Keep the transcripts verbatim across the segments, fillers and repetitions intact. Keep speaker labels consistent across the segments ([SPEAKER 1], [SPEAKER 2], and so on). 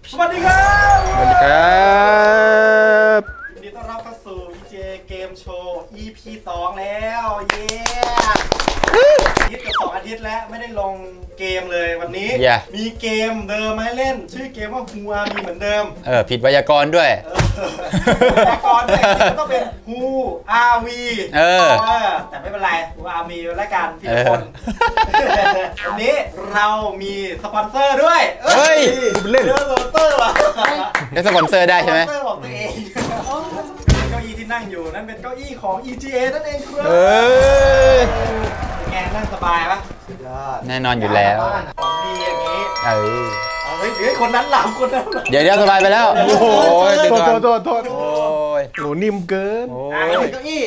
[SPEAKER 1] สวัสดีครับ
[SPEAKER 2] สวัสดีครับ
[SPEAKER 1] ยินดีต้อนรับเข้าสู่ อี เจ Game Show อี พี สองแล้วเย้อาทิตย์กับสองอาทิตย์แล้วไม่ได้ลงเกมเลยวันนี้
[SPEAKER 2] Yeah.
[SPEAKER 1] มีเกมเดิมมาให้เล่น ชื่อเกมว่าฮูอามีเหมือนเดิม
[SPEAKER 2] เออผิดไวยากรณ์ด้วย
[SPEAKER 1] แต่ก่อนเนี่ยต้องเป็นฮูอาวี
[SPEAKER 2] เออ
[SPEAKER 1] แต่ไม่เป็นไรฮูอามีแล้วกันพี่
[SPEAKER 2] เออ
[SPEAKER 1] คน วันนี้เรามีสปอนเซอร์ด้วย
[SPEAKER 2] เฮ้ย
[SPEAKER 1] เล่นสปอนเซอร์ว่ะ
[SPEAKER 2] ได้สปอนเซอร์ได้ใช่ไหม
[SPEAKER 1] สปอนเซอร์ของตัวเองเก้าอี้ที่นั่งอยู่นั่นเป็นเก้าอี้ของ อี จี เอ นั่นเองครับ
[SPEAKER 2] เออ
[SPEAKER 1] เป็นไงนั่งสบายปะสุดยอด
[SPEAKER 2] แน่นอนอยู่แล้ว
[SPEAKER 1] ของดีอย่างนี้
[SPEAKER 2] เออ
[SPEAKER 1] เอาเฮ้ยเฮ้ยคนนั้นหลับคนนั้นหลับ
[SPEAKER 2] เดี๋ยวเดี๋ยวสบายไปแล้ว โอ้โห
[SPEAKER 3] โทษโทษโทษโทษ
[SPEAKER 2] โอ้ย
[SPEAKER 3] หนูนิ่มเกิน
[SPEAKER 2] โอ้
[SPEAKER 1] อ่ะ
[SPEAKER 2] ย
[SPEAKER 1] เก้าอี้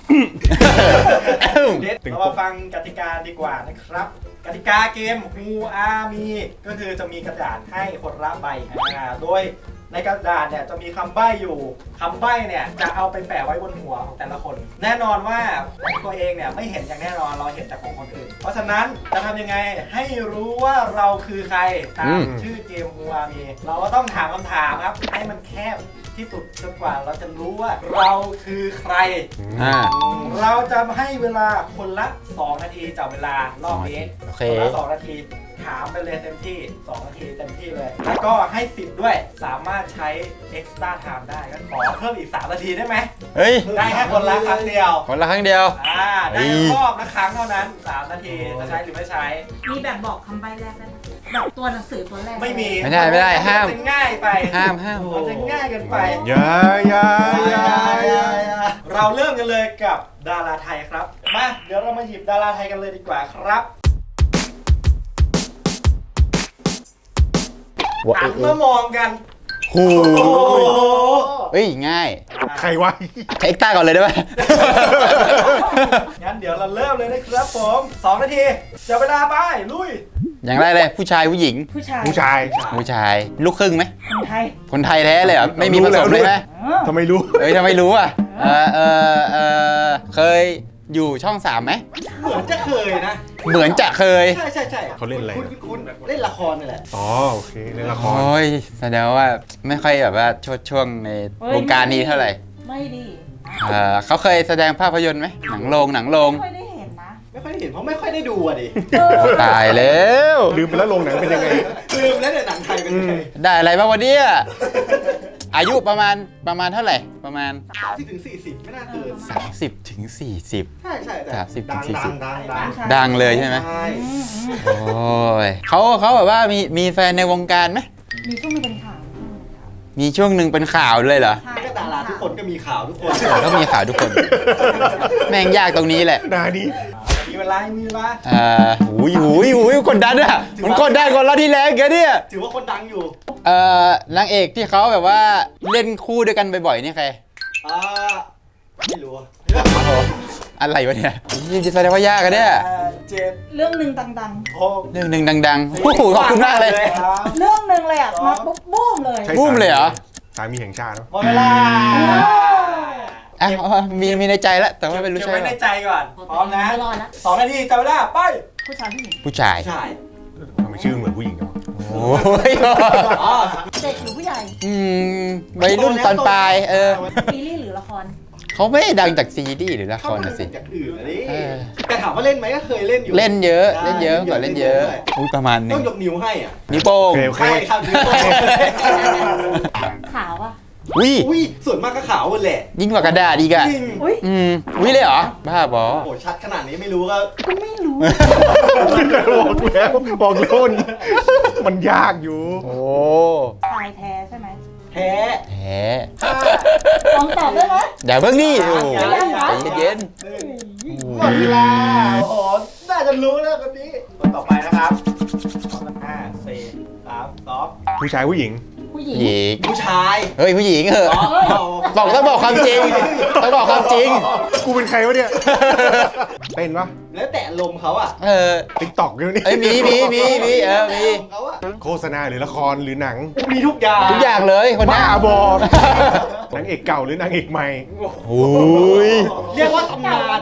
[SPEAKER 1] เด็ดเรามาฟังกติกาดีกว่านะครับ กติกาเกมฮูอามีก็คือจะมีกระดาษให้คนละใบอ่าโดยในกระดาษเนี่ยจะมีคำใบ้อยู่คำใบ้เนี่ยจะเอาไปแปะไว้บนหัวของแต่ละคน แน่นอนว่าของตัวเองเนี่ยไม่เห็นอย่างแน่นอนเราเห็นแต่ของคนอื่น เพราะฉะนั้นจะทำยังไงให้รู้ว่าเราคือใครตามชื่อเกมฮูอามีเราก็ต้องถามคำถามครับให้มันแคบที่สุดจนกว่าเราจะรู้ว่าเราคือใคร
[SPEAKER 2] อ่า
[SPEAKER 1] เราจะให้เวลาคนละสองนาทีจากเวลารอบนี้
[SPEAKER 2] โอเค
[SPEAKER 1] คนละสองนาทีถามไปเลยเต็มที่สองนาทีเต็มที่เลย แล้วก็ให้สิบด้วยสามารถใช้ extra time ได้ก็ขอเพิ่มอีกสามนาทีได้ไหม
[SPEAKER 2] เฮ้ย
[SPEAKER 1] ได้แค่คนละครั้งเดียว
[SPEAKER 2] คนละครั้งเดียว
[SPEAKER 1] อ่าได้รอบละครั้งเท่านั้นสามนาทีจะใช้หรือไม่ใช้
[SPEAKER 4] แบบบอกคำใบ้แรกได้ไหมแบบตัวหนังสือตัวแรก
[SPEAKER 1] ไม่มี
[SPEAKER 2] ไม่ได้ไม่ได้ห้าม
[SPEAKER 1] นจะง่ายไป
[SPEAKER 2] ห้ามห้าม
[SPEAKER 1] มันจะง่ายเกินไป
[SPEAKER 3] อย่าอย่าอย่าอย่า
[SPEAKER 1] เราเริ่มกันเลยกับดาราไทยครับ มา เดี๋ยวเรามาหยิบดาราไทยกันเลยดีกว่าครับหันมามองกัน
[SPEAKER 3] โอ้
[SPEAKER 1] โอ้โห
[SPEAKER 2] เฮ้ย ง่าย
[SPEAKER 3] ใครวะ
[SPEAKER 2] ใช้เอ็กต้าก่อนเลยได้ไหม
[SPEAKER 1] งั้นเดี๋ยวเราเริ่มเลยนะครับผมสองนาทีจับเวลาไป ลุย
[SPEAKER 2] อย่างแรกเลยผู้ชายผู้หญิง
[SPEAKER 4] ผู้ชาย
[SPEAKER 3] ผู้ชาย
[SPEAKER 2] ผู้ชาย ลูกครึ่งไหม
[SPEAKER 4] คนไทย
[SPEAKER 2] คนไทยแท้เลยเหรอ ไม่มีผสมเลยไหม
[SPEAKER 4] เออ
[SPEAKER 3] ทำไมรู้
[SPEAKER 2] เอ้ยทำไมรู้อ่ะ เออเออเออเคยอยู่ช่องสามไหม
[SPEAKER 1] เหมือนจะเคยนะ
[SPEAKER 2] เหมือนจะเคย
[SPEAKER 1] ใช่ใช่ใช่
[SPEAKER 3] เขาเล่นอะไร
[SPEAKER 1] คุณคุณเล่นละครนี่แหละ
[SPEAKER 3] อ๋อโอเคเล่นละคร
[SPEAKER 2] โอ้ยแสดงว่าไม่ค่อยแบบว่าชดช่วงในวงการนี้เท่าไหร่
[SPEAKER 4] ไม่ดี
[SPEAKER 2] เออเขาเคยแสดงภาพยนตร์ไหมหนังโรงหนังโรง
[SPEAKER 4] ไม่ค่อยได้เห็นนะ
[SPEAKER 1] ไม่ค่อยได้เห็นเพราะไม่ค่อยได้ดูอ่ะดิ
[SPEAKER 4] เออ
[SPEAKER 2] ตายแล้ว
[SPEAKER 3] ลืมไปแล้วโรงหนังเป็นยังไง
[SPEAKER 1] ลืมแล้วเนี่ยหนังไทยเป็นไง
[SPEAKER 2] ได้อะไรบ้างวันนี้อายุประมาณประมาณเท่าไหร่ประมาณ
[SPEAKER 1] ที่ถึงสี่สิบไม่น่าเกิน
[SPEAKER 2] สามสิบถึงสี่สิบ
[SPEAKER 1] ใช่ใช่แต่
[SPEAKER 2] สามสิบถึ
[SPEAKER 1] ดั
[SPEAKER 2] ง
[SPEAKER 1] ง
[SPEAKER 2] สี่
[SPEAKER 1] ดั
[SPEAKER 2] สิ
[SPEAKER 1] ง
[SPEAKER 2] บ
[SPEAKER 1] ดังดัง
[SPEAKER 2] ดังเลยใช่ไหม
[SPEAKER 1] ใช่
[SPEAKER 4] อืมอืม
[SPEAKER 2] โอ้ยเขาเขาแบบว่ามีมีแฟนในวงการไหม
[SPEAKER 4] มีช่วงหนึงเป็นข่าว
[SPEAKER 2] มีช่วงหนึ่งเป็นข่าวเลยเหรอ
[SPEAKER 4] ใช่
[SPEAKER 1] ก็ดาราทุกคนก็มีข่าวทุกคน
[SPEAKER 2] ก็มีข่าวทุกคน แม่งยากตรงนี้แหละ
[SPEAKER 3] นานี้
[SPEAKER 1] มีเวลามีเวลา
[SPEAKER 2] เอ่อหูยหูยหูยกดดันอะมันกดดันกว่าเราที่แล้วแกเนี่ย
[SPEAKER 1] ถือว่าคนดังอยู่
[SPEAKER 2] เอ่อนางเอกที่เขาแบบว่าเล่นคู่ด้วยกันบ่อยๆนี่ใคร
[SPEAKER 1] อ่าไม่รู้อะ
[SPEAKER 2] อะไรวะเนี่ยยิ่งจะแสดงว่ายากอะเนี่ย
[SPEAKER 1] แปดเจ็ด
[SPEAKER 4] เรื่องหนึ่งดัง
[SPEAKER 1] หก
[SPEAKER 2] เรื่องหนึ่งดังๆโอ้โหขอบคุณมากเลย
[SPEAKER 1] สาม
[SPEAKER 4] ๆ เรื่องหนึ่งเลยอ่ะ มาปุ๊บบูมเลย
[SPEAKER 3] ใช่
[SPEAKER 2] บูมเลยเหรอ
[SPEAKER 3] สามีแห่งชาติเนอะ
[SPEAKER 1] หมดเวลา
[SPEAKER 2] อ่ะเอาเอามีมีในใจแล้วแต่ว่าไม่รู้
[SPEAKER 1] เก็บ
[SPEAKER 2] ใช่
[SPEAKER 1] ไว้
[SPEAKER 2] ไหม
[SPEAKER 1] ในใจก่อน พร้อมนะ
[SPEAKER 4] ไม่รอดละ
[SPEAKER 1] สองนาทีจับเวลาไป
[SPEAKER 4] ผู้ชายผู้หญิง
[SPEAKER 2] ผู้ชาย
[SPEAKER 1] ใช่
[SPEAKER 3] ทำไมชื่อเหมือนผู้หญิงเนาะ
[SPEAKER 2] โอ้ย
[SPEAKER 1] อ๋อ
[SPEAKER 4] เด็กหรือผู้ใหญ่
[SPEAKER 2] อืมวัยรุ่นตอนปลายเออ
[SPEAKER 4] ซีรีส์หรือละคร
[SPEAKER 2] เขาไม่ได้ดังจากซีดีหรือละค
[SPEAKER 1] เข้าร มา
[SPEAKER 2] นะสิ
[SPEAKER 1] จากอื่นอะดิ
[SPEAKER 2] เออ
[SPEAKER 1] แต่ถามว่าเล่นไหมก็เคยเล่นอยู่
[SPEAKER 2] เล่นเยอะ
[SPEAKER 1] ใช่
[SPEAKER 2] เล่นเยอะก่อนเล่นเยอะอุ้ยประมาณหนึ
[SPEAKER 1] ต้อง งยกนิ้วให้อ่ะ
[SPEAKER 2] นิ้วโป้
[SPEAKER 3] โอง เคโอเค
[SPEAKER 1] ใช่ครับนิ้วโป้ง
[SPEAKER 4] ขาวอ่ะ
[SPEAKER 2] อุ้ย
[SPEAKER 1] อุ้ยส่วนมากก็ขาวหมดแหละ
[SPEAKER 2] ยิ่งกว่ากระดาษอีกอะ
[SPEAKER 1] จริง
[SPEAKER 4] อุ้ย
[SPEAKER 2] อืมอุ้ยเลยเหรอบ้าบอ
[SPEAKER 1] โอ้โหชัดขนาดนี้ไม่รู้ก็
[SPEAKER 4] ก็ไม่รู้
[SPEAKER 3] บอกแล้วบอกแล้วมันมันยากอยู่
[SPEAKER 2] โอ้
[SPEAKER 4] ชายแท้ใช่ไหม
[SPEAKER 1] แพ้
[SPEAKER 2] แหม
[SPEAKER 4] ลองตอบได้ไหม
[SPEAKER 2] เดี๋ยวเพิ่งนี่โอ้
[SPEAKER 1] ยังยัง
[SPEAKER 2] ใจเย็น
[SPEAKER 1] หมดเวลาโอ้โหน่าจะรู้แล้วคนนี้คนต่อไปนะครับสองห้าสี่สามสอง
[SPEAKER 3] ผู้ชายผู้หญิง
[SPEAKER 4] ผู้หญิง
[SPEAKER 2] หญิง
[SPEAKER 1] ผู้ชาย
[SPEAKER 2] เฮ้ยผู้หญิงเหอะ
[SPEAKER 1] อ๋อ
[SPEAKER 2] บอกต้องบอกความจริงต้องบอกความจริง
[SPEAKER 3] กูเป็นใครวะเนี่ยเต้นปะ
[SPEAKER 1] แล้วแต่ลมณ์เขาอ่ะ
[SPEAKER 2] เออ
[SPEAKER 3] ติ๊กต็อกอยู่นี่
[SPEAKER 2] เอ้ยมีมีมีมีเออมี
[SPEAKER 1] ลมณ์เขาอ่ะ
[SPEAKER 3] โฆษณาหรือละครหรือหนัง
[SPEAKER 1] มีทุกอย่าง
[SPEAKER 2] ทุกอย่างเลยคนนี้
[SPEAKER 3] บ้าบอกนางเอกเก่าหรือนางเอกใหม่
[SPEAKER 2] โอ้ย
[SPEAKER 1] เรียกว่าตำ
[SPEAKER 4] เก่าน
[SPEAKER 1] าน
[SPEAKER 4] ใหม่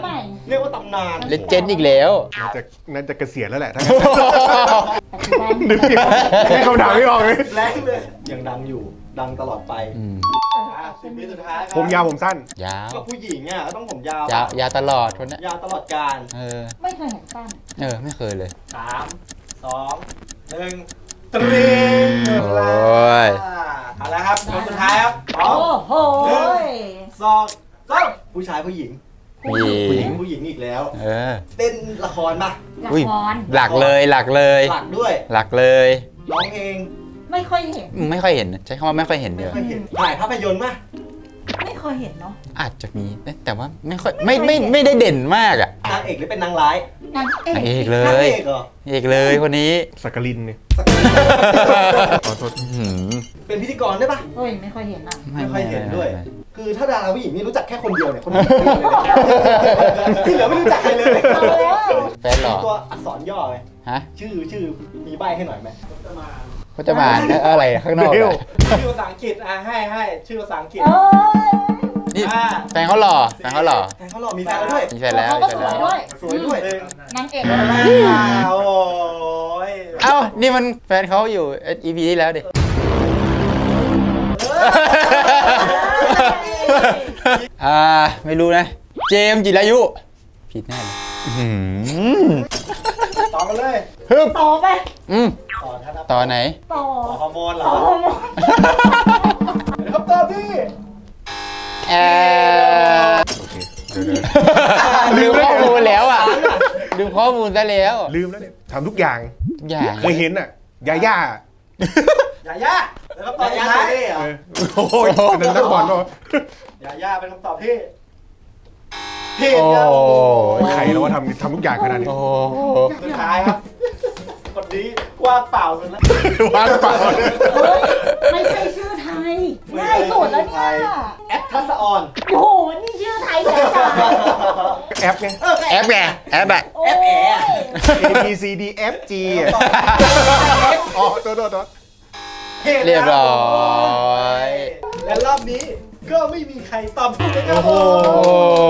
[SPEAKER 1] เรียกว่าตำนาน
[SPEAKER 2] เลเจนด์อีกแล้ว
[SPEAKER 3] น่าจะน่าจะเกษียณแล้วแหละถ้า
[SPEAKER 4] ปัจจุบัน
[SPEAKER 3] นึกผิดแค่คำถามไม่ออกเลย
[SPEAKER 1] แรงเลยยังดังอยู่ดังตลอดไป
[SPEAKER 2] อืม
[SPEAKER 1] อ่ะสิบวิสุดท้ายครับ
[SPEAKER 3] ผมยาวผมสั้น
[SPEAKER 2] ยาว
[SPEAKER 1] ก็ผู้หญิงอ่ะก็ต้องผมยาวย
[SPEAKER 2] าวยาวตลอดคนเนี้ย
[SPEAKER 1] ยาวตลอดการ
[SPEAKER 2] เออ
[SPEAKER 4] ไม่เคยเห็นสั้น
[SPEAKER 2] เออ ไม่เคยเลย
[SPEAKER 1] สามสองหนึ่งตรีง
[SPEAKER 2] โอ้ย
[SPEAKER 1] เอาละครับคนสุดท้ายครับพร้อ
[SPEAKER 4] โอ้
[SPEAKER 1] ม
[SPEAKER 4] โห
[SPEAKER 1] สองสามผู้ชายผู้หญิง
[SPEAKER 2] มี
[SPEAKER 1] ผู้หญิงผู้หญิงอีกแล้ว
[SPEAKER 2] เออ
[SPEAKER 1] เต้นละครป่ะ
[SPEAKER 4] ละ
[SPEAKER 2] อุ้ย
[SPEAKER 4] คร
[SPEAKER 2] หลักเลยหลักเลย
[SPEAKER 1] หลักด้วย
[SPEAKER 2] หลักเลย
[SPEAKER 1] ร้องเพลง
[SPEAKER 4] ไม่ค่อยเห็น
[SPEAKER 2] อืมไม่ค่อยเห็นใช้คำว่าไม่ค่อยเห็นเดียว
[SPEAKER 1] ไม่เห็นถ่ายภาพยนตร์ป่ะ
[SPEAKER 4] ไม่เคยเห็นเนาะ
[SPEAKER 2] อาจจะมีแต่ว่าไม่ค่อยไม่ไม่ไม่ได้เด่นมากอ่ะ
[SPEAKER 1] นางเอกหรือเป็นนางร้าย
[SPEAKER 4] นางเอน
[SPEAKER 2] างเอก
[SPEAKER 4] ก
[SPEAKER 2] เล
[SPEAKER 1] นาง
[SPEAKER 2] ย
[SPEAKER 1] เอกเหรอ
[SPEAKER 2] เอกเลยคนนี้
[SPEAKER 3] สักกลินเนี่ยขอโทษ
[SPEAKER 2] อื้อหือ
[SPEAKER 1] เป็นพิธีกรได้ป่ะ
[SPEAKER 4] เฮ้ยไม่ค่อยเห็นอ่ะ
[SPEAKER 1] ไม่ค่อยเห็นด้วย
[SPEAKER 2] ไม่
[SPEAKER 1] คือถ้าดาราผู้หญิงนี่รู้จักแค่คนเดียวเนี่ยคนเดียวเลยที่เหลือไม่รู้จักใครเลย
[SPEAKER 4] เอาแล้ว
[SPEAKER 2] แฟนเหรอ
[SPEAKER 1] ตัวอักษรย่อไง
[SPEAKER 2] ฮะ
[SPEAKER 1] ชื่อชื่อมีใบให้หน่อยไหม
[SPEAKER 2] ก็จะมาเอ้ออะไรข้างนอก
[SPEAKER 3] เดี๋ยว
[SPEAKER 2] อะ
[SPEAKER 1] ชื่อภาษาอังกฤษอ่ะให้ให้ชื่อภาษาอังกฤษ
[SPEAKER 4] เอ้ย
[SPEAKER 2] นี่
[SPEAKER 1] อ่า
[SPEAKER 2] แฟนเขาหล่อแฟนเขาหล่อ
[SPEAKER 1] แฟนเขาหล่อมีแฟนแล้วด้วย
[SPEAKER 2] มีแฟนแล้ว
[SPEAKER 4] เขา
[SPEAKER 2] มี
[SPEAKER 4] ก็
[SPEAKER 2] แฟน
[SPEAKER 4] สวย
[SPEAKER 2] แล้ว
[SPEAKER 4] ด้วย
[SPEAKER 1] สวยด้วย
[SPEAKER 4] นางเอก
[SPEAKER 1] อ่าโอ้ย
[SPEAKER 2] เอ้านี่มันแฟนเขาอยู่ อี พี ที่แล้วดิ อ่าไม่รู้นะ เจมส์จิรายุผิดแน่เลยอื้อหือ
[SPEAKER 1] ต่อกันเลย
[SPEAKER 3] ฮึบ
[SPEAKER 4] ต่อไป
[SPEAKER 2] อืม
[SPEAKER 1] ต่อท่านครับ
[SPEAKER 2] ต่อไหน
[SPEAKER 4] ต่อ
[SPEAKER 1] ต่อฮอร์โมนเหร
[SPEAKER 4] ต่
[SPEAKER 1] อ
[SPEAKER 4] อฮอร์โมน
[SPEAKER 1] เฮลิคอปเตอร์พี่
[SPEAKER 2] แอร์
[SPEAKER 3] โอเคเดี๋ยว
[SPEAKER 2] ลืมข้อมูลแล้วอ่ะลืมข้อมูลซะแล้ว
[SPEAKER 3] ๆลืมแล้วเนี่ยทำทุกอย่าง
[SPEAKER 2] ทุกอย่าง
[SPEAKER 3] เคยเห็นอ่ะยาย่า
[SPEAKER 1] อย่าย่าเฮลิคอปเตอร์สุดท้าย
[SPEAKER 3] เออโอ้ยอันนั้นนักบอลป่ะ
[SPEAKER 1] อย่าย่าเป็นคำตอบที่ผิด
[SPEAKER 2] โอ้
[SPEAKER 1] ครับ
[SPEAKER 3] ใครแล้วว่าทำทำทุกอย่างขนาดนี้
[SPEAKER 2] โอ้
[SPEAKER 1] สุดท้ายครับคนนี้ว่างเปล่าสุดแล้ว
[SPEAKER 3] ว่างเปล่า
[SPEAKER 4] เฮ้ยไม่ใช่ชื่อไทยง่ายสุดแล้วเนี่ย
[SPEAKER 1] แอปทัศออน
[SPEAKER 4] โอ้โหนี่ชื่อไทยจ๋าจ๋า
[SPEAKER 3] แอปไง
[SPEAKER 1] เออ
[SPEAKER 2] แอปไงแอปอะ
[SPEAKER 4] โอ้ย
[SPEAKER 3] A B C D F G อ่ะอ๋อตัวตัวตัว
[SPEAKER 2] เรียบร้อย
[SPEAKER 1] และรอบนี้ก็ไม่มีใครตอบถูกเลยครับ
[SPEAKER 3] โอ้โห
[SPEAKER 2] โอ้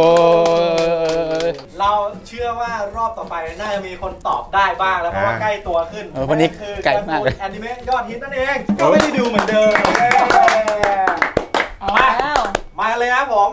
[SPEAKER 1] เราเชื่อว่ารอบต่อไปน่าจะมีคนตอบได้บ้างแล้วเพราะว่าใกล้ตัวขึ้น
[SPEAKER 2] เออวันนี้
[SPEAKER 1] คือ
[SPEAKER 2] ไกลมากเลย
[SPEAKER 1] แอนิเมะยอดฮิตนั่นเองก็ไม่ได้ดูเหมือนเดิม
[SPEAKER 4] เอาแล้ว
[SPEAKER 1] มาเลยครับผม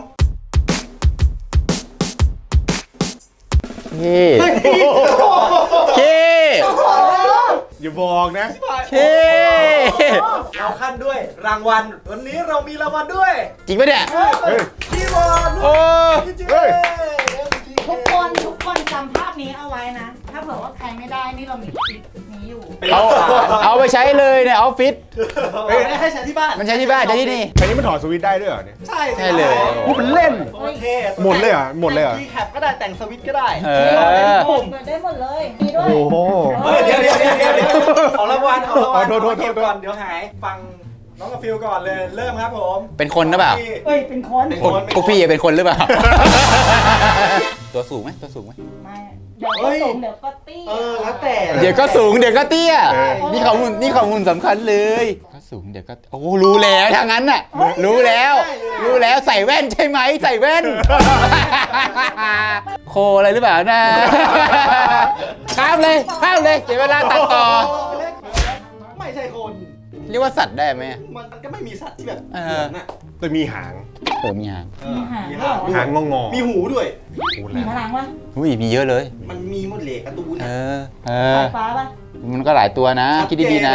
[SPEAKER 2] พี่พี่
[SPEAKER 3] อย่าบอกนะ
[SPEAKER 2] พี่
[SPEAKER 1] เราขั้นด้วยรางวัลวันนี้เรามีรางวัลด้วย
[SPEAKER 2] จริงปะเนี่ย
[SPEAKER 3] เฮ้ย
[SPEAKER 1] คีย์บอร์ด
[SPEAKER 2] โอ้
[SPEAKER 1] พี่เจ
[SPEAKER 3] เฮ้ย
[SPEAKER 4] ทุกคนทุกคนจำภาพนี้เอาไว้นะ ถ้าเผื่อว่าใครไม่ได้นี่เรามีคลิปนี้อยู่
[SPEAKER 2] เอาเอาไปใช้เลยในออฟฟิศ
[SPEAKER 1] ไม่ได้ให้ใช้ที่บ้าน
[SPEAKER 2] มันใช้ที่บ้านใช้ที่นี่
[SPEAKER 3] อันนี้มันถอดสวิตช์ได้ด้วยเหรอเนี่ย
[SPEAKER 1] ใช่
[SPEAKER 2] ใช่เลย
[SPEAKER 3] พูดเป็นเล่น
[SPEAKER 1] โอเค
[SPEAKER 3] หมดเลยเหรอหมดเลยเหรอ
[SPEAKER 1] แต่งคีย์แคปก็ได้แต่งสวิตช์ก็ได้
[SPEAKER 2] เออ
[SPEAKER 1] ปุ่ม
[SPEAKER 4] เปิดได้หมดเลย มีด้วย
[SPEAKER 3] โอ้โห
[SPEAKER 1] เฮ้ยเดี๋ยวเดี๋ยวเดี๋ยวเดี๋ยวเดี๋ยวของรางวัลของรางวัล
[SPEAKER 3] อ๋อโทษโทษโทษ
[SPEAKER 1] เก็บก่อนเดี๋ยวหายฟังน้องกาฟิลก่อนเลยเริ่มครับผม
[SPEAKER 2] เป็นคนหรือเปล่า
[SPEAKER 4] เอ้ย เป็นคน
[SPEAKER 1] เป็น
[SPEAKER 2] พวกพวกพี่เป็นคนหรือเปล่า ตัวสูงไหมตัวสูงไหม
[SPEAKER 4] ไม่เดี๋ยวก็สูงเดี๋ยวก็เตี้ย
[SPEAKER 1] เออแล้วแต่
[SPEAKER 2] เดี๋ยวก็สูงเดี๋ยวก็เตี้ย
[SPEAKER 3] เออ
[SPEAKER 2] นี่ข้อมูลนี่ข้อมูลสำคัญเลยก็สูงเดี๋ยวก็โอ้รู้แล้วทางนั้นน่ะ รู้แล้ว รู้แล้วใส่แว่นใช่ไหมใส่แว่น โคอะไรหรือเปล่านะ ข้ามเลยข้ามเลยเดี๋ยวเวลาตัดต่อ
[SPEAKER 1] ไม่ใช่คน
[SPEAKER 2] เรียกว่าสัตว์ได้ไหม
[SPEAKER 1] มันก็ไม่มีสัตว์ที่แบบ
[SPEAKER 2] เอ
[SPEAKER 1] เห
[SPEAKER 2] อ
[SPEAKER 1] มือนน่ะ
[SPEAKER 3] แต่มีหาง
[SPEAKER 2] เออมีหาง
[SPEAKER 1] เออ
[SPEAKER 4] มี
[SPEAKER 1] มี
[SPEAKER 4] หา
[SPEAKER 1] หาง ง
[SPEAKER 4] ด้วย
[SPEAKER 3] หางงองอ
[SPEAKER 1] มีหูด้วย
[SPEAKER 3] พูด
[SPEAKER 4] มี
[SPEAKER 3] แล้ว
[SPEAKER 4] พลังวะ
[SPEAKER 2] อุ้ยมีเยอะเลย
[SPEAKER 1] มันมีหมดเลยการ์ตูน
[SPEAKER 2] เอ
[SPEAKER 1] น่ะ
[SPEAKER 2] อ เอ
[SPEAKER 4] สา
[SPEAKER 2] อ
[SPEAKER 4] ยฟ้าปะ
[SPEAKER 2] มันก็หลายตัวนะ คิดดีๆนะ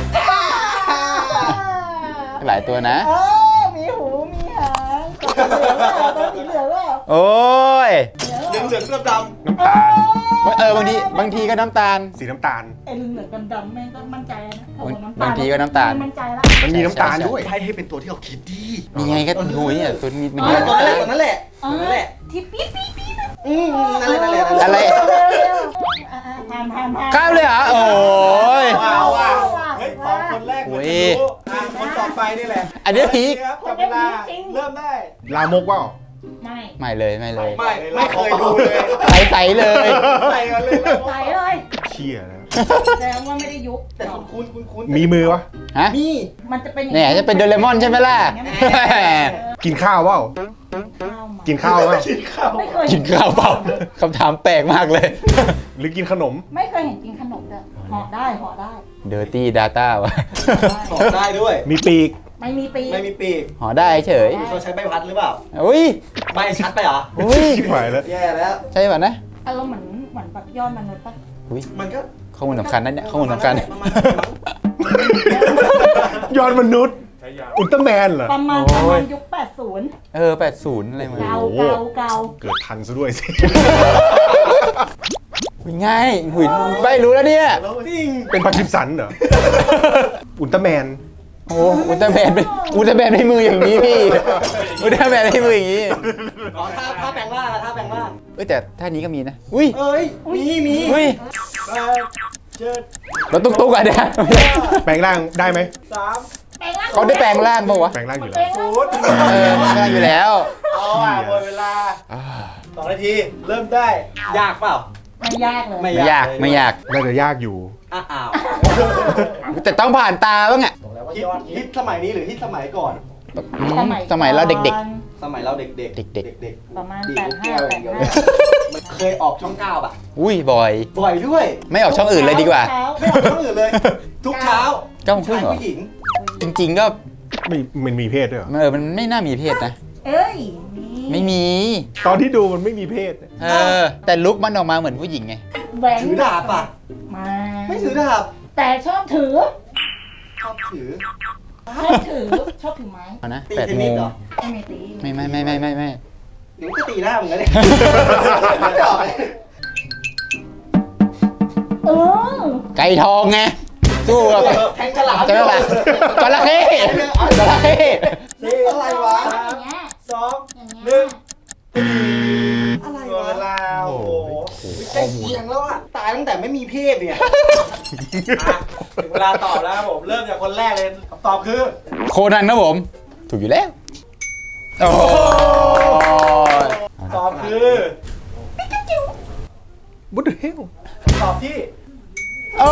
[SPEAKER 2] หลายตัวนะ
[SPEAKER 4] เออมีหู มีหางตัวสีเหลืองเปล่าตัวสีเหลืองเปล่า
[SPEAKER 2] โอ้ย
[SPEAKER 1] เหลืองเหลืองดำด
[SPEAKER 3] น้ำตาล
[SPEAKER 2] เออบางทีบางทีก็น้ำตาล
[SPEAKER 3] สีน้ำตาล
[SPEAKER 4] ไอ้เหลืองๆดำๆแม่งก็มั่นใจแล้วนะถ้าบอกน้ำตาล
[SPEAKER 2] บางทีก็น้ำตาล
[SPEAKER 4] มั่นใจละ
[SPEAKER 3] มันมีน้ำตาลด้วย
[SPEAKER 1] ำให้ให้เป็นตัวที่เราคิดดี
[SPEAKER 2] นี่ไงก็โอ้ยเนี่ยตัวนี้มัน
[SPEAKER 1] เอ
[SPEAKER 2] เย
[SPEAKER 1] อ
[SPEAKER 2] อะ
[SPEAKER 1] ตัวนั้นแหละตัวนั้นแหละ
[SPEAKER 4] เอ
[SPEAKER 1] ตัว
[SPEAKER 4] อ
[SPEAKER 1] นั้นแหละ
[SPEAKER 4] ที่ปี๊ดปี๊ดปี๊ด
[SPEAKER 1] อืมนั่นแหละนั่นแหละนั่นแหละ
[SPEAKER 2] อะไร
[SPEAKER 4] อ่ะๆผ่านผ่านผ่าน
[SPEAKER 2] ข้ามเลยเหรอ โอ้ย
[SPEAKER 1] ว้าวว้าวเฮ้ยสองคนแรกเหมือนจะรู้อ่ะคนต่อไปนี่แหละ
[SPEAKER 2] อันนี้พีค
[SPEAKER 1] ครับจับเวลาเริ่มได้
[SPEAKER 3] ลามกว่า
[SPEAKER 4] ไม่
[SPEAKER 2] ไม่เลยไม่เลย
[SPEAKER 1] ไม่ไม่เคยดูเลย
[SPEAKER 2] ใสใสๆเลย
[SPEAKER 1] ใส่กันเลยนะ
[SPEAKER 4] ใสเลย
[SPEAKER 3] เชี่ยนะ
[SPEAKER 4] แสดงว่าไม่ได้ยุบ
[SPEAKER 1] แต่คุ้นคุ้นคุ้นคุ้น
[SPEAKER 3] มีมือวะ
[SPEAKER 2] ฮะ
[SPEAKER 1] มี
[SPEAKER 4] มันจะเป็นอย่าง
[SPEAKER 2] เนี่ยจะเป็นโดเรมอนใช่ไหมล่ะ
[SPEAKER 3] กินข้าวเปล่า
[SPEAKER 4] ข้าวไหม
[SPEAKER 3] กินข้าวไหม
[SPEAKER 1] กินข้าว
[SPEAKER 4] ไม่เคย
[SPEAKER 2] กินข้าวเปล่าคำถามแปลกมากเลย
[SPEAKER 3] หรือกินขนม
[SPEAKER 4] ไม่เคยเห็นกินขนมเลยห่อได้ห่อได้
[SPEAKER 2] Dirty Data วะ
[SPEAKER 1] ตอบได้ด้วย
[SPEAKER 3] มีปีก
[SPEAKER 4] ไม่มีปี
[SPEAKER 1] ไม่มีปีก
[SPEAKER 2] หอได้เฉย
[SPEAKER 1] เขาใช้ใบพัดหรือเปล่า
[SPEAKER 2] อุ้ย
[SPEAKER 1] ใบชัดไปเหรอ
[SPEAKER 2] อุ้ย
[SPEAKER 3] ชิบหายแล้ว
[SPEAKER 1] แย่แล้ว
[SPEAKER 2] ใช่ป่ะนะ
[SPEAKER 4] อารมณ์เหมือนเหมือนแบบยอดมนุษย์ปะ
[SPEAKER 2] อุ้ย
[SPEAKER 1] มันก็
[SPEAKER 2] ข้อมูลสำคัญนั่นเนี่ยข้อมูลสำคัญ
[SPEAKER 1] ประมาณนั้นมั้ง
[SPEAKER 3] ยอดมนุษย์ อุลตร้าแมนเหรอ
[SPEAKER 4] ประมาณ
[SPEAKER 2] โอ้ย
[SPEAKER 4] ประมาณยุคแปดสิบ
[SPEAKER 2] เออแปดสิบอะไรมา
[SPEAKER 4] เกา
[SPEAKER 3] โอ้โห
[SPEAKER 4] เกาเกา
[SPEAKER 3] เกิดทันซะด้วยสิ
[SPEAKER 2] อุ้ยง่ายหุยใบรู้แล้วเนี่ย
[SPEAKER 1] แล้วจริง
[SPEAKER 3] เป็นพาร์คินสันเหรอ อุลตร้าแมน
[SPEAKER 2] โอ้อุลตร้าแมนเป็นอุลตร้าแมนให้มืออย่างนี้พี่อุลตร้าแมนให้มืออย่างนี้
[SPEAKER 1] อ๋อถ้าถ้าแปลงร่างอะถ้าแปลงร่าง
[SPEAKER 2] เอ้ยแต่ท่านี้ก็มีนะอุ้ย
[SPEAKER 1] เอ้ย มีมี
[SPEAKER 2] อุ้ย
[SPEAKER 1] เอ่อเจ็ด
[SPEAKER 2] รถตุ๊กตุ๊กอะเนี่ย
[SPEAKER 3] แปลงร่างได้ไหม
[SPEAKER 1] สาม
[SPEAKER 4] แปลงร่าง
[SPEAKER 2] เขาได้แปลงร่างปะวะ
[SPEAKER 3] แปลงร่างอยู่
[SPEAKER 4] แปล
[SPEAKER 3] แล้ว
[SPEAKER 4] งร่าง
[SPEAKER 1] ศูนย์
[SPEAKER 2] เออแปลงร่างอยู่แล้ว
[SPEAKER 1] เอาอ่ะหมดเวลา
[SPEAKER 2] อ่า
[SPEAKER 1] สองนาที เริ่มได้ ยากเปล่า
[SPEAKER 4] ไม่ยากเลย
[SPEAKER 1] ไม่
[SPEAKER 2] ไม่ยากไม่ยาก
[SPEAKER 3] น่าจะยากอยู่
[SPEAKER 1] อ้าวอ้าว
[SPEAKER 2] แต่ต้องผ่านตาบ้างอะ
[SPEAKER 1] บอกแล้วว่าฮิตฮิตสมัยนี้หรือฮิตสมัยก่อน
[SPEAKER 2] อืมสมัยเราเด็ก
[SPEAKER 1] สมัยเราเด็กๆ
[SPEAKER 2] เด็กๆ
[SPEAKER 1] เด็ก
[SPEAKER 4] ประมาณ
[SPEAKER 1] ๆดี
[SPEAKER 4] แปด
[SPEAKER 1] ลูก
[SPEAKER 4] ห้า
[SPEAKER 1] แก้วอ
[SPEAKER 4] แป
[SPEAKER 1] ย่าง
[SPEAKER 4] ด
[SPEAKER 1] เดียว
[SPEAKER 4] ห้า
[SPEAKER 1] มันเคยออกช่องเก้าป่ะ
[SPEAKER 2] ๆอุ้ยบอย
[SPEAKER 1] บ่อยด้วย
[SPEAKER 2] ไม่ออกช่องอื่นเลยดีกว่า
[SPEAKER 4] เช้
[SPEAKER 1] ไม่ออกช่องอื่นเลย ทุกเช้า
[SPEAKER 2] เก้าโมงครึ่
[SPEAKER 1] ชาง ย
[SPEAKER 2] เหรอ
[SPEAKER 1] ผู้หญิง
[SPEAKER 2] จริง ๆ ก็
[SPEAKER 3] ไม่มันมีเพศด้วยเหรอ
[SPEAKER 2] เออมันไม่น่ามีเพศนะ
[SPEAKER 4] เอ้ย
[SPEAKER 2] ไม่มี
[SPEAKER 3] ตอนที่ดูมันไม่มีเพศ
[SPEAKER 2] เออ แต่ลุกมันออกมาเหมือนผู้หญิงไง
[SPEAKER 4] แหวน
[SPEAKER 1] ถือดาบป่ะ
[SPEAKER 4] มา
[SPEAKER 1] ไม่ถือดาบ
[SPEAKER 4] แต่ชอบถือ
[SPEAKER 1] ชอบถือ
[SPEAKER 4] ชอบถือ ชอบถือไม้
[SPEAKER 2] เอานะ
[SPEAKER 1] ตี
[SPEAKER 2] แปด
[SPEAKER 1] เทน
[SPEAKER 2] โม
[SPEAKER 1] นิส
[SPEAKER 2] ง
[SPEAKER 1] เหรอ
[SPEAKER 4] ไม่มีตี
[SPEAKER 2] ไม่ไม่ไม่ไม่ไม่ไม่
[SPEAKER 1] หนูก็ตีหน้ามึงกันเนี่ยไม่ออกเลย
[SPEAKER 4] เออ
[SPEAKER 2] ไก่ทองไง สู้กับ
[SPEAKER 1] แทงฉลาม
[SPEAKER 2] จะไม่ละจระเข้จระเข้
[SPEAKER 1] สี่อะไรวะ
[SPEAKER 4] อย่างเงี้ย
[SPEAKER 1] สอง
[SPEAKER 4] อย่าง
[SPEAKER 1] ห
[SPEAKER 4] เงี้
[SPEAKER 1] นึ่
[SPEAKER 4] ย
[SPEAKER 1] งอะไรวะเวลาโอ้โหใกล้เคียงแล้วอะตายตั้งแต่ไม่มีเพศเนี่ยอ่ะถึงเวลาตอบแล้วครับผม เริ่มจากคนแรกเลยคำตอบคือ
[SPEAKER 2] โคนันนะผม ถูกอยู่แล้ว โอ้โห
[SPEAKER 1] ตอบคือ
[SPEAKER 3] บุตรเฮล
[SPEAKER 1] ตอบที่
[SPEAKER 2] โอ้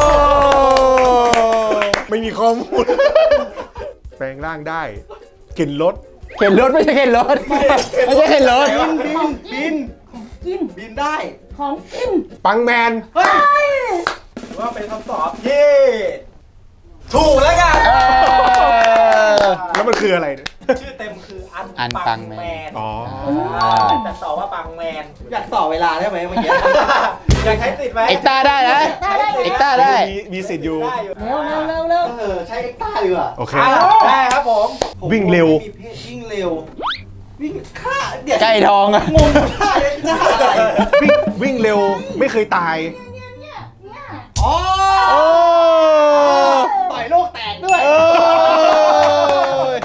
[SPEAKER 3] ไม่มีข้อมูล แปลงร่างได้เข็นรถ
[SPEAKER 2] เข็นรถไม่ใช่เข็นรถ ไม่ใช่เข็นรถ
[SPEAKER 1] บินบินบิน
[SPEAKER 4] กิน
[SPEAKER 1] บินได้
[SPEAKER 4] ของกิน
[SPEAKER 3] ปังแมน
[SPEAKER 1] เฮ้ยถือว่าเป็นคำตอบที่ถูกแล้วกัน
[SPEAKER 2] เออ
[SPEAKER 3] แล้วมันคืออะไรเนี่ย
[SPEAKER 1] ชื่อเต็มคืออัน
[SPEAKER 2] อันปังแมน
[SPEAKER 3] อ๋อ
[SPEAKER 1] อ่าแต่ตอบว่าปังแมน อยากต่อเวลาได้ไหมเมื่อกี้ อยากใช้ติดไหม
[SPEAKER 2] เอ็กต้าได้นะ
[SPEAKER 4] ได้ได้
[SPEAKER 2] เอ็กต้าได้
[SPEAKER 3] มีมีสิทธิ์อยู่
[SPEAKER 1] ได้อยู่
[SPEAKER 4] เร็วเร็วเร็วเร็ว
[SPEAKER 1] เออใช้เอ็กต้าดีกว่า
[SPEAKER 3] โอเค
[SPEAKER 1] าได้ครับผม
[SPEAKER 3] วิ่งเร็ว
[SPEAKER 1] ไม่มีเพศวิ่งเร็ว วิ่งฆ่าเดี๋ยว
[SPEAKER 2] ไก่ทองอะ
[SPEAKER 1] งงฆ่าเดี๋ยวฆ่าอะไร
[SPEAKER 3] วิ่งวิ่งเร็วไม่เคยตาย
[SPEAKER 4] เนี่ยเนี่ยเนี่ย
[SPEAKER 1] อ๋อ
[SPEAKER 2] โอ้
[SPEAKER 1] ต่อยโลกแตกด้วย
[SPEAKER 2] โอ้ย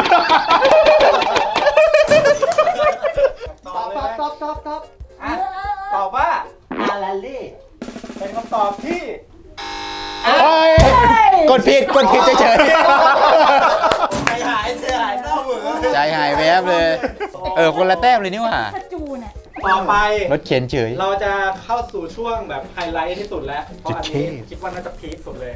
[SPEAKER 1] ตอบตอบตอบตอบตอบอ่ะ
[SPEAKER 4] เออ
[SPEAKER 1] ตอบว่าอาราเล่เป็นคำตอบที่
[SPEAKER 2] โอ้ยกดผิด กดผิดเฉย
[SPEAKER 1] ใจหายใจหายเศร้าเหมือน
[SPEAKER 2] ๆ ใจหายแวบเลย เออ คนละแต้มเลยนี่หว่า
[SPEAKER 4] ขจูเนี่ย
[SPEAKER 1] ต่อไป
[SPEAKER 2] รถเข็นเฉย
[SPEAKER 1] เราจะเข้าสู่ช่วงแบบไฮไลท์ที่สุดแล้ว เพราะอันนี้
[SPEAKER 3] เท่
[SPEAKER 1] คิดว่าน่าจะพีคสุดเลย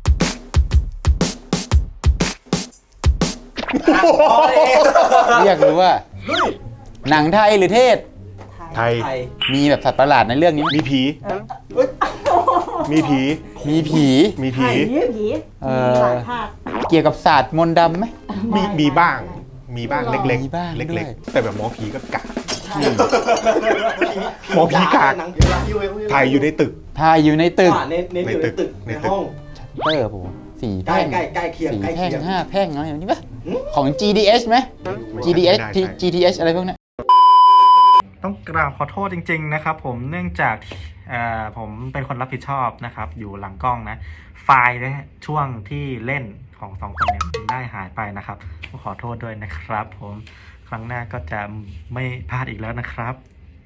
[SPEAKER 2] เรียกรู้ว่า
[SPEAKER 1] ลุย
[SPEAKER 2] หนังไทยหรือเทศ
[SPEAKER 3] ไทย
[SPEAKER 1] ไทย
[SPEAKER 2] มีแบบสัตว์ประหลาดในเรื่องนี้ไหม
[SPEAKER 3] มีผี
[SPEAKER 1] เฮ้ย
[SPEAKER 3] มีผี
[SPEAKER 2] มีผี
[SPEAKER 3] มีผี
[SPEAKER 4] ผีผี
[SPEAKER 2] เอ
[SPEAKER 4] มี
[SPEAKER 2] อ
[SPEAKER 4] หลายภาค
[SPEAKER 2] เกี่ยวกับศาสตร์มนต์ดำไหม
[SPEAKER 3] มีมีบ้าง มีบ้างเล็ก
[SPEAKER 2] มีบ้าง
[SPEAKER 3] ๆ
[SPEAKER 2] ด้วย
[SPEAKER 3] เล็กๆ แต่แบบหมอผีก็กะ
[SPEAKER 1] ใช่
[SPEAKER 3] หมอผีกาก
[SPEAKER 1] หนังเดี๋ยวละยูเอ
[SPEAKER 3] ถ่ายอยู่ในตึก
[SPEAKER 2] ถ่ายอยู่ในตึก
[SPEAKER 1] อ่าเน้นเน้นอยู่ในตึก
[SPEAKER 3] ใน
[SPEAKER 1] ใน
[SPEAKER 3] ตึก
[SPEAKER 1] ห้อง
[SPEAKER 2] เตอร์ผมสี่
[SPEAKER 1] ใกล้
[SPEAKER 2] แพ่ง
[SPEAKER 1] ใกล้ใกล้เคียง
[SPEAKER 2] สี่
[SPEAKER 1] ใกล้
[SPEAKER 2] แพ่ง
[SPEAKER 1] เคียง
[SPEAKER 2] ห้าแพ่งอะไรแบบนี้ปะ
[SPEAKER 1] หืม
[SPEAKER 2] ของ จี ดี เอส ไหม
[SPEAKER 3] ไม่
[SPEAKER 2] จี ดี เอส
[SPEAKER 3] ไม่น่าใช่
[SPEAKER 2] จี ดี เอส อะไรพวกเนี้ย
[SPEAKER 1] ต้องกราบขอโทษจริงๆนะครับผมเนื่องจากเอ่อผมเป็นคนรับผิดชอบนะครับ อยู่หลังกล้องนะ ไฟล์นะช่วงที่เล่นของสองคนเนี่ยมันได้หายไปนะครับขอโทษด้วยนะครับ ผมครั้งหน้าก็จะไม่พลาดอีกแล้วนะครับ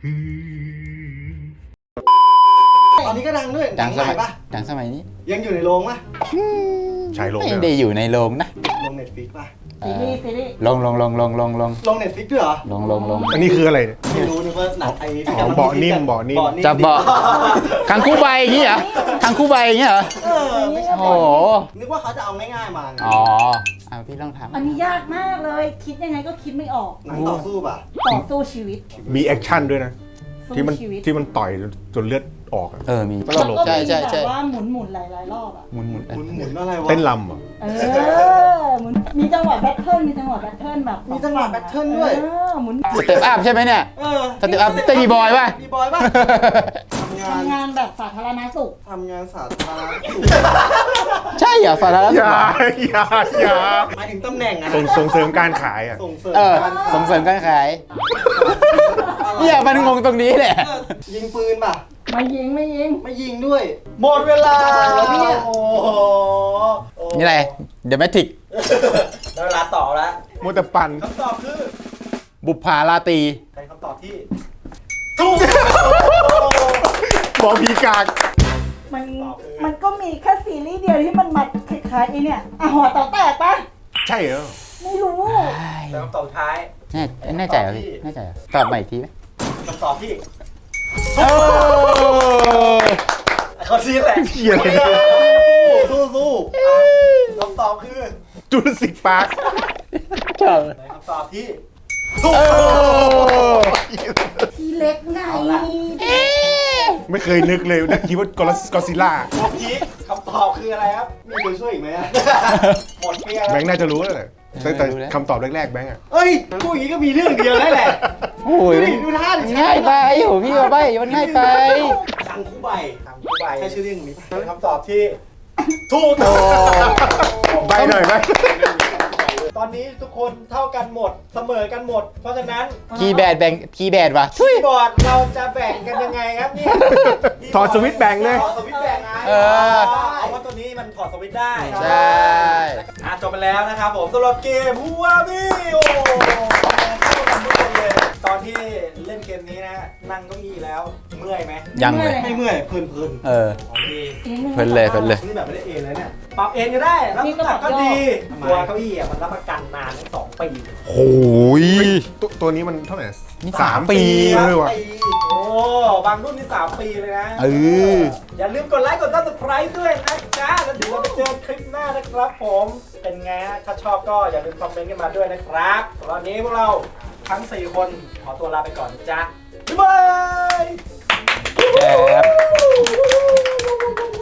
[SPEAKER 1] ตอนนี้ก็ดังด้วย
[SPEAKER 2] ดังส
[SPEAKER 1] ให
[SPEAKER 2] มั
[SPEAKER 1] ม่
[SPEAKER 2] ย
[SPEAKER 1] ปะ
[SPEAKER 2] ดังสมัยนี้
[SPEAKER 1] ยังอยู่ในโรงปะ
[SPEAKER 3] ชายลง
[SPEAKER 2] ไม่
[SPEAKER 3] ด้วย
[SPEAKER 2] ได้อยู่ในโรงนะ
[SPEAKER 1] โรงเน็ตฟิกปะ
[SPEAKER 4] ซีรีส์ซีรีส์
[SPEAKER 2] ลงลงลงลงลงลง
[SPEAKER 1] โรงเน็ตฟิกด้วยเหรอ
[SPEAKER 2] ลงลงลง
[SPEAKER 3] อันนี้คืออะไรเนี่ย
[SPEAKER 1] ไม่รู้นึกว่าหนังไอ้ที่
[SPEAKER 3] อ๋อก
[SPEAKER 1] ำลัง
[SPEAKER 3] เบาะนิ่ม
[SPEAKER 1] ฮิตๆ
[SPEAKER 3] เบาะนิ่ม
[SPEAKER 2] จะเบาะคังคู่ใบอย่างงี้เหรอคังคู่ใบอย่างงี้เหรอ
[SPEAKER 1] เออไม่ใช่
[SPEAKER 2] โอ้โห
[SPEAKER 1] นึกว่าเขาจะเอาง่ายๆมาไง
[SPEAKER 2] อ๋ออ่ะพี่ลองทำ
[SPEAKER 4] อันนี้ยากมากเลย คิดยังไงก็คิดไม่ออก
[SPEAKER 5] หนังต่อสู้ป่ะ
[SPEAKER 4] ต่อสู้ชีวิต
[SPEAKER 3] มีแอคชั่นด้วยนะ
[SPEAKER 4] สู้
[SPEAKER 3] ที่มัน
[SPEAKER 4] ชีวิต
[SPEAKER 3] ที่มันต่อยจนเลือดออกอะ
[SPEAKER 2] เออมี
[SPEAKER 3] ก็
[SPEAKER 4] แล้ว
[SPEAKER 3] ตลก
[SPEAKER 4] ก็
[SPEAKER 2] ใช่
[SPEAKER 4] มี
[SPEAKER 2] ใช่
[SPEAKER 4] แบ
[SPEAKER 2] ใช่
[SPEAKER 4] บว่าหมุนหมุนๆหลายๆรอบอ่ะ
[SPEAKER 2] หมุนหมุน
[SPEAKER 5] หมุนหมุนอะไรวะ
[SPEAKER 3] เต้นลำเหรอ
[SPEAKER 4] เออหมุนมีจังหวะแบทเทิลมีจังหวะแบทเทิลแบบ
[SPEAKER 5] มีจังหวะแบทเทิลด้วย
[SPEAKER 4] เออหมุน
[SPEAKER 2] สเต็ปอัพใช่ไหมเนี่ย
[SPEAKER 5] เออ
[SPEAKER 2] สเต็ปอัพเต้นบีบอยป่ะ
[SPEAKER 5] มีบอยป่ะทำงาน
[SPEAKER 4] ทำงานแบบสาธารณสุข
[SPEAKER 5] ทำงานสาธารณสุข
[SPEAKER 2] ใช่เหรอสาธารณ
[SPEAKER 3] อ
[SPEAKER 2] สุข
[SPEAKER 3] ย่าอย่าอย่า
[SPEAKER 5] หมายถึงตำแหน่งอะ
[SPEAKER 3] ส่งส่งเสริมการขายอ่ะ
[SPEAKER 5] ส่งเสริม
[SPEAKER 2] เออ
[SPEAKER 5] การ
[SPEAKER 2] ส่งเสริมการขายเนี่ยมันงงตรงนี้แหละ
[SPEAKER 5] เออยิงปืนป่ะ
[SPEAKER 4] ไม่ยิงไม่ยิง
[SPEAKER 5] ไม่ยิงด้วย
[SPEAKER 1] หมดเวลา
[SPEAKER 5] แล้วเนี่ย
[SPEAKER 1] โอ้โห
[SPEAKER 2] นี่อะไรเดอะแมทริก
[SPEAKER 1] ได้เวลาตอบแล้ว
[SPEAKER 3] มัวแต่ปั่น
[SPEAKER 1] คำตอบคือ
[SPEAKER 2] บุปผาราตรี
[SPEAKER 1] เป็นคำตอบที่ถูก
[SPEAKER 3] หมอพีกาก
[SPEAKER 4] มันมันก็มีแค่ซีรีส์เดียวที่มันมาคล้ายๆไอ้เนี่ยอ่ะหัวเต่าแตกปะ
[SPEAKER 3] ใช่เหรอ
[SPEAKER 4] ไม่รู้
[SPEAKER 1] เป็นคำตอบสุดท้าย
[SPEAKER 2] แน่แน่ใจเหรอพี่แน่ใจเหรอตอบใหม่อีกทีไหม
[SPEAKER 1] คำตอบที่
[SPEAKER 2] โอ้
[SPEAKER 1] เขาชี้แหละ
[SPEAKER 3] เหี้ยอะไรเนี่ย
[SPEAKER 5] สู้สู้
[SPEAKER 1] คำตอบคือ
[SPEAKER 3] จูราสสิกพาร์ค
[SPEAKER 2] ชอบ
[SPEAKER 1] ในคำตอบที่
[SPEAKER 2] โอ้
[SPEAKER 4] ทีเล็กไง
[SPEAKER 3] ไม่เคยนึกเลยนึกคิดว่ากอซิล่า
[SPEAKER 1] เมื่อกี้คำตอบคืออะไรครับ
[SPEAKER 5] มีตัวช่วยอีกไหมอะ
[SPEAKER 1] หมดเกลี้ยง
[SPEAKER 3] แบ
[SPEAKER 1] แล้ว
[SPEAKER 3] งค์น่าจะรู้แล้วแหละตั้งแต่คำตอบแรกๆแบงค์อะ
[SPEAKER 5] เอ้ยพูดอย่างนี้ก็มีเรื่องเดียวแล้วแหละ
[SPEAKER 2] โห
[SPEAKER 5] ดูดิดูท่าดิ
[SPEAKER 2] ง่ายไปโหพี่มาใบมันง่ายไป
[SPEAKER 5] สังคู่ใบ
[SPEAKER 1] ทำคู่ใบ
[SPEAKER 5] ใช่ชื่อเรื่องนี้ปะ
[SPEAKER 1] เป็นคำตอบที่ถูก
[SPEAKER 2] โอ้
[SPEAKER 3] ใบหน่อยไหม
[SPEAKER 1] ตอนนี้ทุกคนเท่ากันหมดเสมอกันหมด เพราะฉะนั้น
[SPEAKER 2] คีย์แบดแบ่งคีย์แบดว่ะ
[SPEAKER 1] คีย์บอร์ดเราจะแบ่งกันยังไงครับเนี่ย
[SPEAKER 3] ถอดสวิตช์แบ่งเลย
[SPEAKER 1] ถอดสวิตช์แบ่งไง
[SPEAKER 2] เออ
[SPEAKER 1] เอาว่าตัวนี้มันถอดสวิตช์ได้
[SPEAKER 2] ใช่
[SPEAKER 1] อ่ะจบไปแล้วนะครับผมสำหรับเกมฮูวาบี้โอ้เข้ากันทุกคนเลย ตอนที่เล่นเกมนี้นะนั่งเก้าอี้แล้วเมื่อยไหม
[SPEAKER 2] ยังเลย
[SPEAKER 5] ไม่เมื่อยเพลินเพลิน
[SPEAKER 2] เออ
[SPEAKER 1] ของดี
[SPEAKER 2] เพลินเลยเพลินเลย
[SPEAKER 1] นี่แบบไม่ได้เองเลยเนี่ยปรับเองก็ได้รับน้ำหนักก็ดีตัวเก้าอี้อ่ะมันรับประกันนานถึงสองปี
[SPEAKER 2] โอ้ย
[SPEAKER 3] ตัวตัวนี้มันเท่าไหร่
[SPEAKER 2] นี่
[SPEAKER 3] สามปี
[SPEAKER 1] ค
[SPEAKER 3] เล
[SPEAKER 1] รับ
[SPEAKER 3] ยว่ะ
[SPEAKER 1] โอ้บางรุ่นนี่สามปีเลยนะ
[SPEAKER 2] เออ
[SPEAKER 1] อย่าลืมกดไลค์กดซับสไครต์ด้วยนะจ๊ะแล้วเดี๋ยวเราไปเจอคลิปหน้านะครับผม เป็นไงฮะถ้าชอบก็อย่าลืมคอมเมนต์กันมาด้วยนะครับตอนนี้พวกเราทั้งสี่คนขอตัวลาไปก่อนนะจ๊ะบ๊ายบาย
[SPEAKER 2] แจ๋